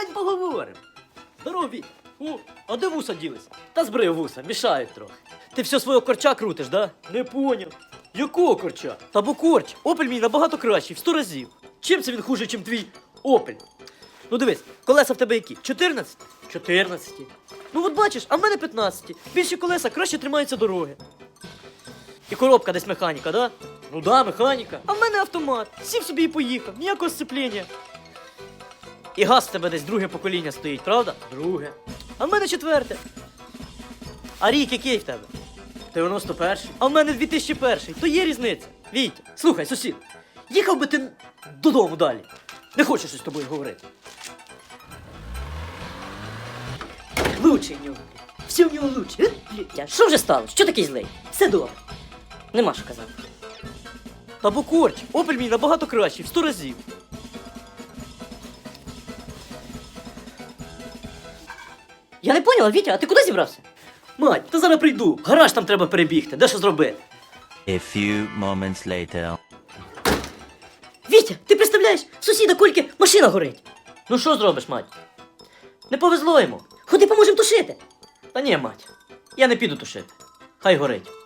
Поговорим, поговорим. Здорово, Вітя. О, а де вуса ділись? Та збрив вуса, мішають трохи. Ти все свого корча крутиш, да? Не поняв. Якого корча? Та бо корч. Опель мій набагато кращий, в 100 разів. Чим це він хуже, чим твій Опель? Ну дивись, колеса в тебе які? 14? 14. Ну от бачиш, а в мене 15. Більші колеса краще тримаються дороги. І коробка десь механіка, да? Ну да, механіка. А в мене автомат. Сів собі і поїхав, ніякого сцепління. І газ в тебе десь друге покоління стоїть, правда? Друге. А в мене 4. А рік який в тебе? 91-й. А в мене 2001-й. То є різниця. Вітя, слухай, сусід, їхав би ти додому далі. Не хочу щось з тобою говорити. Лучше в нього. Все в нього лучше. Вітя, що вже сталося? Що такий злий? Все добре. Нема що казати. Та бо корч, Опель мій набагато кращий, в 100 разів. Я не поняла, Вітя, а ти куди зібрався? Мать, та зараз прийду. В гараж там треба перебігти, де що зробити. A few moments later. Вітя, ти представляєш, в сусіда Кольки машина горить. Ну що зробиш, мать? Не повезло йому. Ходи, поможемо тушити. Та ні, мать, я не піду тушити. Хай горить.